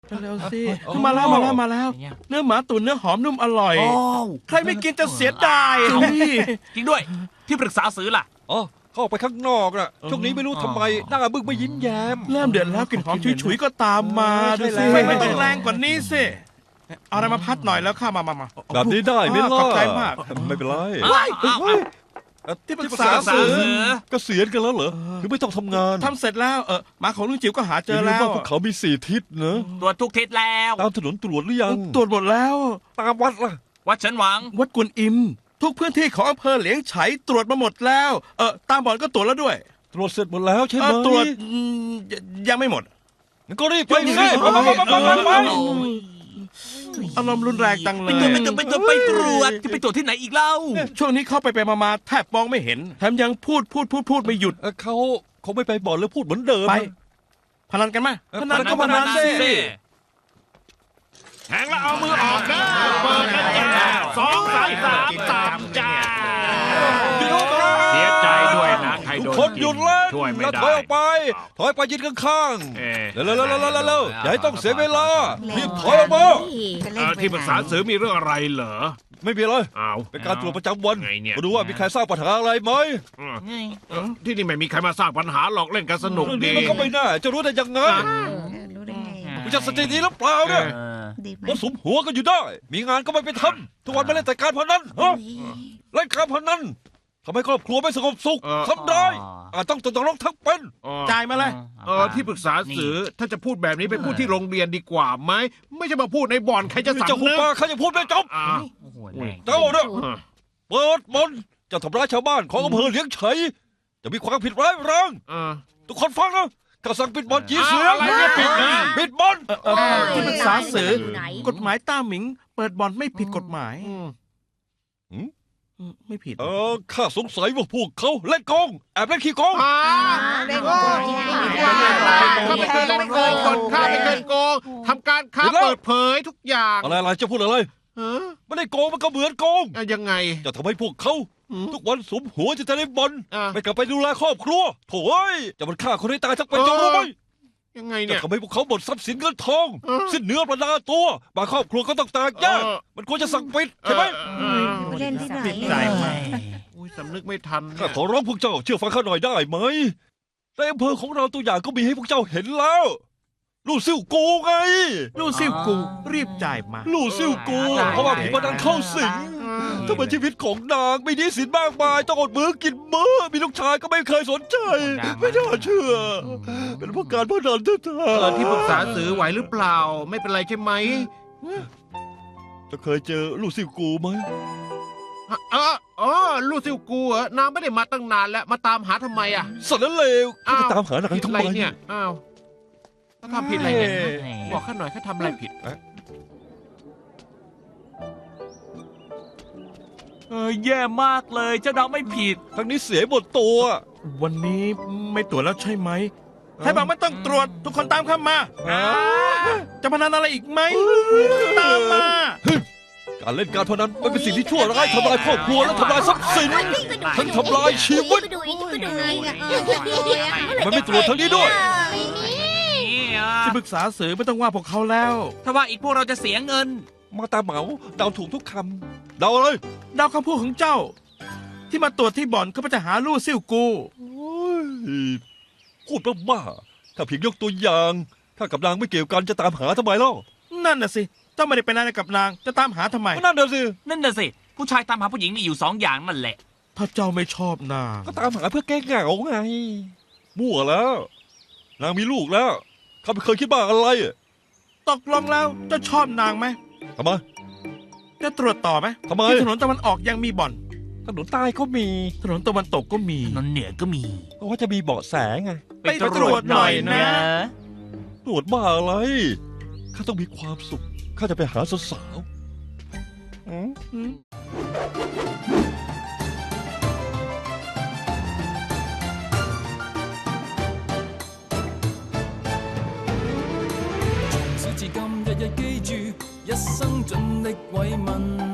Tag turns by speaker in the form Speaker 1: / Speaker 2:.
Speaker 1: เร็วสิมาแล้วเนื้อหมาตุ๋นเนื้อหอมนุ่มอร่อยใครไม่กินจะเสียดาย
Speaker 2: จริงด้วยที่ปรึกษาซื้อล่ะ
Speaker 3: อ๋อเข้าไปข้างนอกน่ะช่วงนี้ไม่รู้ทำไมหน้าบึ้งไม่ยิ้มแย้ม
Speaker 1: เริ่มเดือดแล้วกลิ่นหอมฉุยๆก็ตามมาดูสิไม่ต้องแรงกว่านี้สิเอาอะไรมาพัดหน่อยแล้วข้ามา
Speaker 3: แบบนี้ได้ไหมล่ะ
Speaker 1: ขอบใจมาก
Speaker 3: ไม่เป็นไร
Speaker 1: ที่ปรึกษาซื้อ
Speaker 3: เกษียณกันแล้วเหรอหรือไม่ต้องทำงาน
Speaker 1: ทำเสร็จแล้วหมาของลุงจิ๋วก็หาเจอแล้ว
Speaker 3: พวกเขามี4 ทิศเนอะ
Speaker 2: ตรวจทุกทิศแล้ว
Speaker 3: ตามถนนตรวจหรือยัง
Speaker 1: ตรวจหมดแล้ว
Speaker 3: ตามวัดล่ะ
Speaker 2: วัดเฉินหวัง
Speaker 1: วัดกวนอิมทุกพื้นที่ของอำเภอเหลียงไฉตรวจมาหมดแล้วตามบ่อนก็ตรวจแล้วด้วย
Speaker 3: ตรวจเสร็จหมดแล้วใช่ไหม
Speaker 1: ตรวจยังไม่หมด
Speaker 3: ก็รีบไปสิ
Speaker 1: อารมณ์รุนแรงจังเลย
Speaker 2: ไปตรวจจะไปตรวจที่ไหนอีกเล่า
Speaker 1: ช่วงนี้เข้าไปมาแทบมองไม่เห็นแถมยังพูดไม่หยุด
Speaker 3: เขาไม่ไปบ่อนแล้วพูดเหมือนเดิม
Speaker 1: ไปพนันกันไหม
Speaker 3: พนันก็พนันสิ
Speaker 2: แทงแล้วเอามือออกนะเปิดกันจ้า2 3 3จ้า
Speaker 3: เสียใจด้วย
Speaker 2: นะ
Speaker 3: ใครโดนคนหยุดเล่นแล้วถอยออกไปยืนข้างๆเร็วอย่าให้ต้องเสียเวลารีบถอยออกมา
Speaker 2: ที่ปรึกษาสื่อมีเรื่องอะไรเหรอ
Speaker 3: ไม่มีเลยเป็นการตรวจประจำวันมาดูว่ามีใครสร้างปัญหาอะไรไหม
Speaker 2: ที่นี่ไม่มีใครมาสร้างปัญหาหรอกเล่นกันสนุกดี
Speaker 3: มันก็ไม่น่าจะรู้ได้ยังไงคุณจะสติดีหรือเปล่าเนี่ยมันสมหัวกันอยู่ได้มีงานก็ไม่ไปทำทุกวันไม่เล่นแต่การพนันเล่นการพนันทำให้ครอบครัวไม่สงบสุขทำได้ต้องตกนรกทั้งเป็น
Speaker 1: จ่ายมาเลย
Speaker 2: ที่ปรึกษาสื่อถ้าจะพูดแบบนี้ไปพูดที่โรงเรียนดีกว่าไหมไม่ใช่มาพูดในบ่อนใครจะสั่ง
Speaker 3: จะหุบปากใครจะพูดไม่จบเจ้าเนี่ยเปิดมนจะทำร้ายชาวบ้านของอำเภอเลี้ยงไฉจะมีความผิดร้ายแรงทุกคนฟังนะข้าสั่งปิดบ่อนจีเสียงปิดบ่อน
Speaker 1: ที่ปรึกษาสื่อกฎหมายต้าหมิงเปิดบ่อนไม่ผิดกฎหมายไม่ผิด
Speaker 3: ข้าสงสัยว่าพวกเขาเล่นโกงแอบเล่นขี้โกง
Speaker 2: เล่นโกงข้าไม่เคยเล่นโกงข้าไม่เคยโกงทำการค้าเปิดเผยทุกอย่าง
Speaker 3: อะไรจะพูดอะไรไม่ได้โกงมันก็เหมือนโกง
Speaker 2: ยังไง
Speaker 3: จะทำให้พวกเขาทุกวันสมหัวจะเล่นบอลไม่กลับไปดูแลครอบครัวโถ่จะมันฆ่าคนให้ตายทั้งเป็นจะรู้ไหม
Speaker 2: ยังไงเนี่ย
Speaker 3: จะทำให้พวกเขาหมดทรัพย์สินเงินทองสิ้นเนื้อประดาตัวบางครอบครัวก็ต้องแตกแยกมันควรจะสั่งปิดใช่ไหม
Speaker 4: เล่นที่ไหน
Speaker 1: ใจไหม
Speaker 2: สำนึกไม่ทัน
Speaker 3: ข้าขอร้องพวกเจ้าเชื่อฟังข้าหน่อยได้ไหมในอำเภอของเราตัวอย่างก็มีให้พวกเจ้าเห็นแล้วลู่ซิ่วกูไง
Speaker 1: ลู่ซิ่วกูรีบจ่ายมา
Speaker 3: ลู่ซิ่วกูเพราะว่าผีพนันเข้าสิงถ้าเป็นชีวิตของนางมีหนี้สินมากมายต้องอดมื้อกินมื้อมีลูกชายก็ไม่เคยสนใจไม่น่าเชื่อเป็นเพราะการพนันแท้
Speaker 2: ๆที่ปรึกษาสื่อไหวหรือเปล่าไม่เป็นไรใช่ไหม
Speaker 3: จะเคยเจอลู่ซิ่วกูไหม
Speaker 2: ลู่ซิ่วกูนางไม่ได้มาตั้งนานแล้วมาตามหาทำไม
Speaker 3: สารเลวจะตามหานางทำไม
Speaker 2: เนี่ยเขาทำผิดอะไรเนี่ยบอกข้าหน่อยเขาทำอะไรผิดแย่มากเลยเจ้าน้องไม่ผิด
Speaker 3: ครั้งนี้เสียหมดตัว
Speaker 1: วันนี้ไม่ตรวจแล้วใช่ไหมใครบอกไม่ต้องตรวจทุกคนตามข้ามาจะพนันอะไรอีกไหมตามมา
Speaker 3: การเล่นการพนันมันเป็นสิ่งที่ชั่วร้ายทำลายครอบครัวและทำลายทรัพย์สินทั้งทำลายชีวิตมันไม่ตรวจทั้งนี้ด้วย
Speaker 1: ที่ปรึกษาสื่อไม่ต้องว่าพวกเขาแล้ว
Speaker 2: ถ้าว่าอีกพวกเราจะเสียเงิน
Speaker 3: มาตาเหมาเดาถูกทุกคำเดาเลย
Speaker 1: เดาคำพูดของเจ้าที่มาตรวจที่บ่อนเขาจะหาลู่ซิ่วกู
Speaker 3: พูดบ้าๆถ้าเพียงยกตัวอย่างถ้ากับนางไม่เกี่ยวกันจะตามหาทำไมเล่า
Speaker 1: นั่นน่ะสิเจ้าไม่ได้เป็นอะไรกับนางจะตามหาทำไม
Speaker 3: นั่นน่
Speaker 2: ะสิผู้ชายตามหาผู้หญิงมีอยู่2 อย่างนั่นแหละ
Speaker 1: ถ้าเจ้าไม่ชอบนาง
Speaker 3: ก็ตามหาเพื่อแก้เหงาไงมั่วแล้วนางมีลูกแล้วข้าไม่เคยคิดบ้าอะไร
Speaker 1: ตกลงแล้วจะชอบนางไหม
Speaker 3: ทำไม
Speaker 1: จะตรวจต่อไหม
Speaker 3: ทำไม
Speaker 1: ที่ถนนตะวันออกยังมีบ่อน
Speaker 3: ถนนใต้ก็มี
Speaker 1: ถนนตะวันตกก็มี
Speaker 2: ถนนเหนือก็มี
Speaker 3: เพราะว่าจะมีเบาะแสไง
Speaker 1: ไปตรวจหน่อยนะ
Speaker 3: ตรวจบ้าอะไรข้าต้องมีความสุขข้าจะไปหาสาว
Speaker 5: 至今日日記住一生盡力慰問